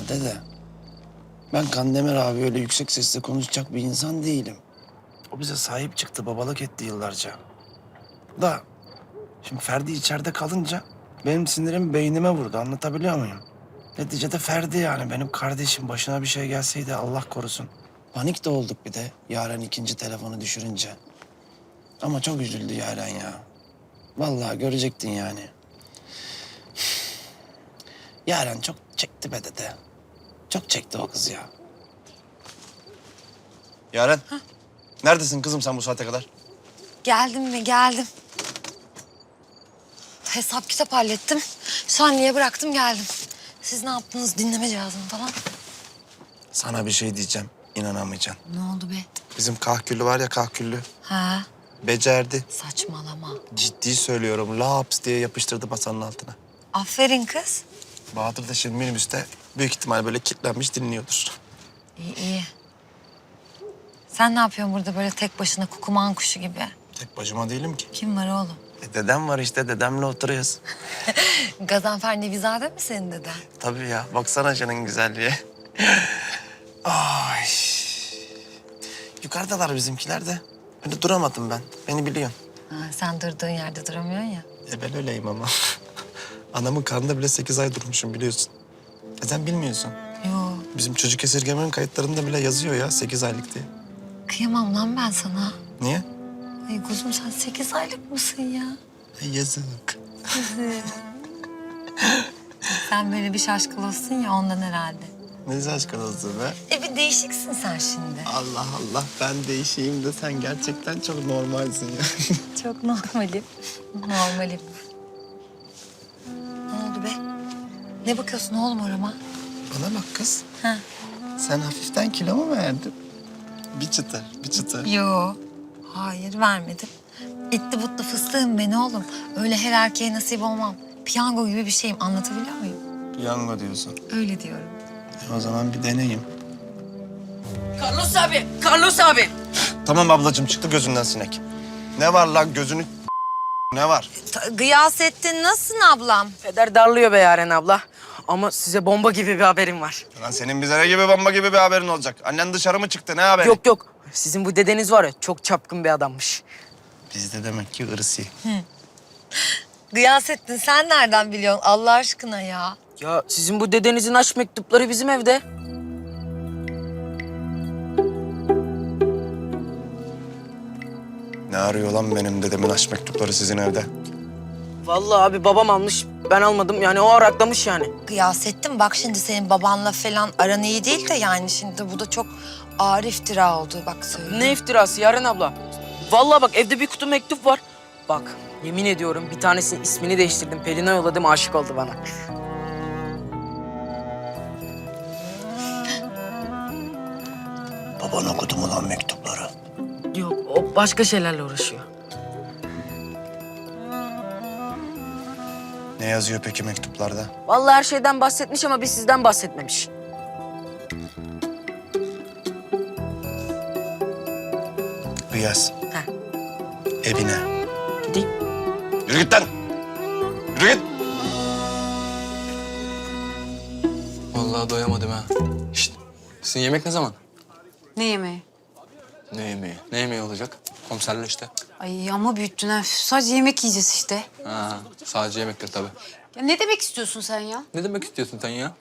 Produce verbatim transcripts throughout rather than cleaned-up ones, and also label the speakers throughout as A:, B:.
A: dede, ben Kandemir abi öyle yüksek sesle konuşacak bir insan değilim. O bize sahip çıktı, babalık etti yıllarca. Da şimdi Ferdi içeride kalınca benim sinirim beynime vurdu, anlatabiliyor muyum? Neticede Ferdi yani benim kardeşim, başına bir şey gelseydi Allah korusun. Panik de olduk bir de Yaren ikinci telefonu düşürünce. Ama çok üzüldü Yaren ya. Vallahi görecektin yani. Yaren çok çekti be dede. Çok çekti o kız ya.
B: Yaren, neredesin kızım sen bu saate kadar?
C: Geldim mi? Geldim. Hesap kitap hallettim. Şanli'ye bıraktım geldim. Siz ne yaptınız? Dinleme cihazını falan.
A: Sana bir şey diyeceğim, inanamayacaksın.
C: Ne oldu be?
A: Bizim kahküllü var ya kahküllü.
C: Ha?
A: Becerdi.
C: Saçmalama.
A: Ciddi söylüyorum. Laps diye yapıştırdı masanın altına.
C: Aferin kız.
A: Bahadır da şimdi minibüste büyük ihtimal böyle kilitlenmiş dinliyordur.
C: İyi iyi. Sen ne yapıyorsun burada böyle tek başına kukuman kuşu gibi?
A: Tek başıma değilim ki.
C: Kim var oğlum?
A: E, dedem var işte, dedemle oturuyoruz.
C: Gazanfer Nevizade mi senin deden?
A: Tabii ya, baksana canın güzelliğe. Ay. Yukarıdalar bizimkiler de. Öyle duramadım ben, beni biliyorsun.
C: Ha, sen durduğun yerde duramıyorsun ya.
A: E ben öyleyim ama. Anamın karnında bile sekiz ay durmuşum biliyorsun. E sen bilmiyorsun.
C: Yo,
A: Bizim çocuk esirgemenin kayıtlarında bile yazıyor ya sekiz aylık diye.
C: kıyamam lan ben sana.
A: Niye?
C: Ay kuzum sen sekiz aylık mısın ya?
A: E, yazık.
C: Sen böyle bir şaşkın ya ondan herhalde.
A: Ne şaşkın olsun be.
C: E bir değişiksin sen şimdi.
A: Allah Allah, ben değişeyim de sen gerçekten çok normalsin ya.
C: Çok normalim. Normalim. Ne oldu be? Ne bakıyorsun oğlum orama?
A: Bana bak kız,
C: Ha?
A: sen hafiften kilo mu verdin? Bir çıtır, bir çıtır.
C: Yo. Hayır vermedim. Etli butlu fıstığım ben oğlum. Öyle her erkeğe nasip olmam. Piyango gibi bir şeyim, anlatabiliyor muyum?
A: Piyango diyorsun.
C: Öyle diyorum.
A: E, o zaman bir deneyim.
D: Carlos abi, Carlos abi.
A: Tamam ablacığım, çıktı gözünden sinek. Ne var lan gözünü... Ne var?
C: Ta- Gıyasettin nasılsın ablam?
D: Peder darlıyor be Yaren abla. Ama size bomba gibi bir haberim var.
A: Lan senin bize ne gibi bomba gibi bir haberin olacak? Annen dışarı mı çıktı, ne haberi?
D: Yok yok, sizin bu dedeniz var ya çok çapkın bir adammış.
A: Bizde demek ki ırsi.
C: Gıyasettin sen nereden biliyorsun Allah aşkına ya?
D: Ya sizin bu dedenizin aşk mektupları bizim evde.
A: Ne arıyor lan benim dedemin aşk mektupları sizin evde?
D: Vallahi abi babam almış, ben almadım. Yani o araklamış yani.
C: Gıyasettin bak şimdi senin babanla falan aran iyi değil de yani şimdi bu da çok ağır iftira oldu bak söyle.
D: Ne iftirası Yaren abla? Vallahi bak evde bir kutu mektup var. Bak yemin ediyorum bir tanesinin ismini değiştirdim. Pelin'e yolladım, aşık oldu bana.
A: Baban okudu mu lan mektupları?
D: Yok, o başka şeylerle uğraşıyor.
A: Ne yazıyor peki mektuplarda?
D: Vallahi her şeyden bahsetmiş ama bir sizden bahsetmemiş.
A: Riyaz.
D: Heh.
A: Evine.
D: Gideyim.
A: Yürü git lan! Yürü git!
E: Vallahi doyamadım ha. Şişt, sizin yemek ne zaman?
F: Ne yemeği?
E: Ne yemeği? Ne yemeği olacak? Komiserle işte.
F: Ay ama büyüttün ha. Sadece yemek yiyeceğiz işte.
E: Ha, sadece yemektir tabii.
F: Ya ne demek istiyorsun sen ya?
E: Ne demek istiyorsun sen ya?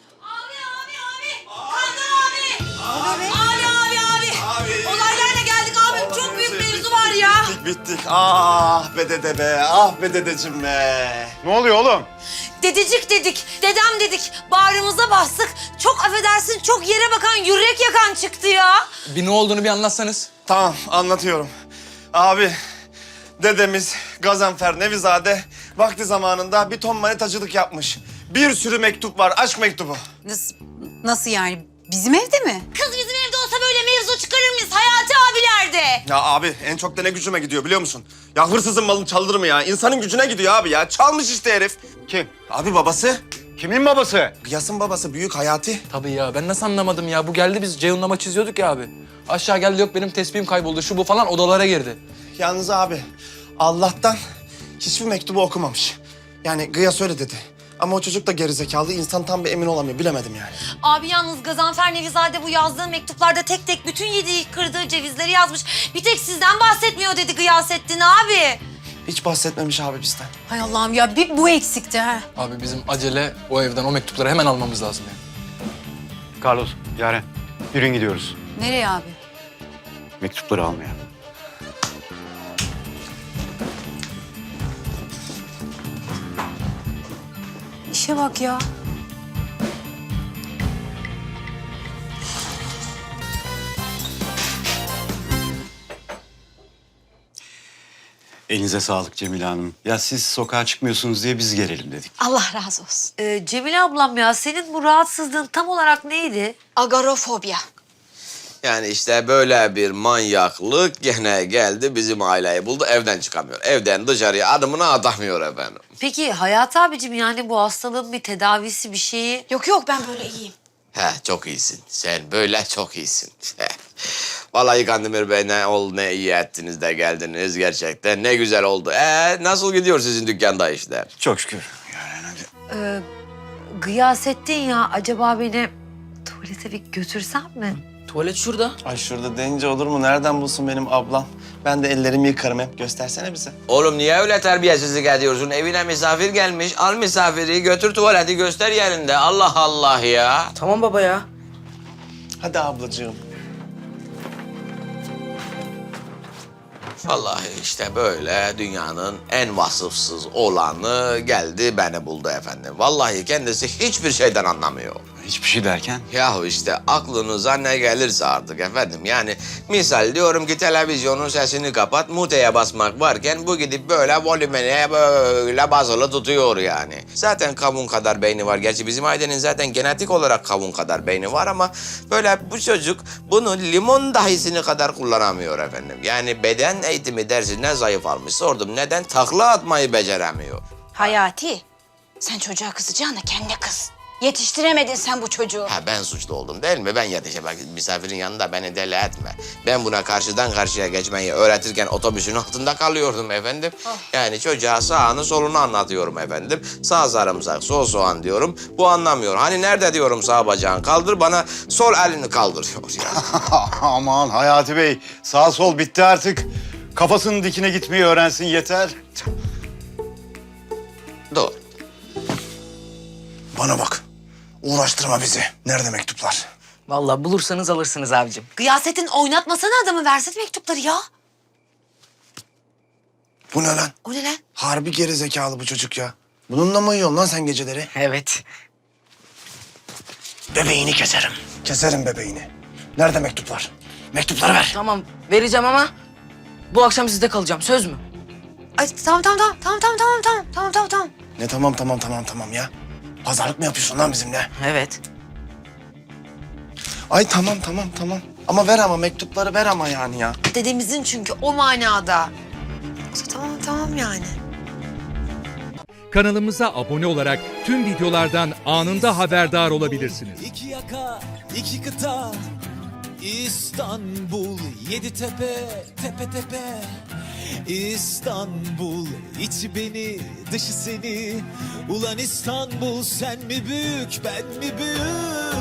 G: Abi abi abi. Olaylarla geldik abim. Çok büyük mevzu var ya.
A: Bittik bittik. Ah be dede be, ah be dedeciğim be.
H: Ne oluyor oğlum?
G: Dedecik dedik, dedem dedik. Bağrımıza bastık. Çok affedersin çok yere bakan, yürek yakan çıktı ya.
E: Bir ne olduğunu bir anlatsanız.
A: Tamam, anlatıyorum. Abi, dedemiz Gazanfer Nevizade vakti zamanında bir ton manitacılık yapmış. Bir sürü mektup var, aşk mektubu.
F: Nasıl, nasıl yani? Bizim evde mi?
G: Kız bizim evde olsa böyle mevzu çıkarır mıyız Hayati abilerde?
A: Ya abi, en çok da ne gücüme gidiyor biliyor musun? Ya hırsızın malını çaldırır mı ya? İnsanın gücüne gidiyor abi ya. Çalmış işte herif.
H: Kim?
A: Abi babası.
H: Kimin babası?
A: Gıyas'ın babası, büyük Hayati.
E: Tabii ya, ben nasıl anlamadım ya? Bu geldi, biz Ceyhun'la maç çiziyorduk ya abi. Aşağı geldi, yok benim tespihim kayboldu, şu bu falan odalara girdi.
A: Yalnız abi, Allah'tan hiçbir mektubu okumamış. Yani Gıyas öyle dedi. Ama o çocuk da gerizekalı. İnsan tam bir emin olamıyor. Bilemedim yani.
G: Abi yalnız Gazanfer Nevizade bu yazdığı mektuplarda tek tek bütün yediği kırdığı cevizleri yazmış. Bir tek sizden bahsetmiyor dedi Gıyasettin abi.
A: Hiç bahsetmemiş abi bizden.
F: Hay Allah'ım ya bir bu eksikti ha.
E: Abi bizim acele o evden o mektupları hemen almamız lazım ya.
H: Carlos, Yaren. Yürüyün gidiyoruz.
F: Nereye abi?
H: Mektupları almaya.
F: İşe bak ya.
H: Elinize sağlık Cemile Hanım. Ya siz sokağa çıkmıyorsunuz diye biz gelelim dedik.
F: Allah razı olsun.
G: Ee, Cemile ablam ya senin bu rahatsızlığın tam olarak neydi?
F: Agorafobia.
I: Yani işte böyle bir manyaklık gene geldi bizim aileyi buldu evden çıkamıyor. Evden dışarıya adımını atamıyor efendim.
G: Peki Hayat abicim yani bu hastalığın bir tedavisi bir şeyi...
F: Yok yok ben böyle iyiyim.
I: He çok iyisin. Sen böyle çok iyisin. Vallahi Kandemir Bey ne ol ne iyi ettiniz de geldiniz gerçekten. Ne güzel oldu. Ee nasıl gidiyor sizin dükkanda işler?
H: Çok şükür. Yaren hadi.
G: Ee, Gıyasettin ya acaba beni tuvalete bir götürsen mi?
D: Tuvalet şurada.
A: Ay şurada deyince olur mu? Nereden bulsun benim ablam? Ben de ellerimi yıkarım hep. Göstersene bize.
I: Oğlum niye öyle terbiyesizlik ediyorsun? Evine misafir gelmiş. Al misafiri götür tuvaleti göster yerinde. Allah Allah ya.
D: Tamam baba ya.
A: Hadi ablacığım.
I: Vallahi işte böyle dünyanın en vasıfsız olanı geldi beni buldu efendim. Vallahi kendisi hiçbir şeyden anlamıyor.
H: Hiçbir şey derken?
I: Yahu işte aklınıza ne gelirse artık efendim. Yani misal diyorum ki televizyonun sesini kapat, muteye basmak varken bu gidip böyle volümene böyle basılı tutuyor yani. Zaten kavun kadar beyni var. Gerçi bizim ailenin zaten genetik olarak kavun kadar beyni var ama böyle bu çocuk bunu limon dahisini kadar kullanamıyor efendim. Yani beden eğitimi dersine zayıf almış. Sordum neden? Takla atmayı beceremiyor.
F: Hayati. Sen çocuğa kızacağına kendine kız. Yetiştiremedin sen bu çocuğu.
I: Ha ben suçlu oldum değil mi? Ben yetişe bak misafirin yanında beni deli etme. Ben buna karşıdan karşıya geçmeyi öğretirken otobüsün altında kalıyordum efendim. Yani çocuğa sağını solunu anlatıyorum efendim. Sağ sarımsak, sol soğan diyorum. Bu anlamıyor. Hani nerede diyorum sağ bacağını kaldır bana sol elini kaldırıyor yani.
H: Aman Hayati Bey, sağ sol bitti artık. Kafasının dikine gitmeyi öğrensin yeter.
I: Doğru.
A: Bana bak. Uğraştırma bizi. Nerede mektuplar?
D: Vallahi bulursanız alırsınız abicim.
G: Gıyasettin oynatmasana adamı versene mektupları ya.
A: Bu ne lan?
G: O ne lan?
A: Harbi gerizekalı bu çocuk ya. Bununla mı uyuyorsun lan sen geceleri?
D: Evet.
A: Bebeğini keserim. Keserim bebeğini. Nerede mektuplar? Mektupları ver.
D: Tamam vereceğim ama bu akşam sizde kalacağım. Söz mü?
G: Ay tamam tamam tamam tamam tamam tamam tamam tamam tamam tamam.
A: Ne tamam tamam tamam tamam ya? Pazarlık mı yapıyorsun lan bizimle?
D: Evet.
A: Ay tamam tamam tamam. Ama ver ama mektupları ver ama yani ya.
G: Dedemizin çünkü o manada. Yoksa tamam tamam yani.
J: Kanalımıza abone olarak tüm videolardan anında haberdar olabilirsiniz.
K: İki yaka, iki kıta, İstanbul, yedi tepe, tepe tepe. İstanbul, içi beni, dışı seni. Ulan İstanbul, sen mi büyük, ben mi büyük?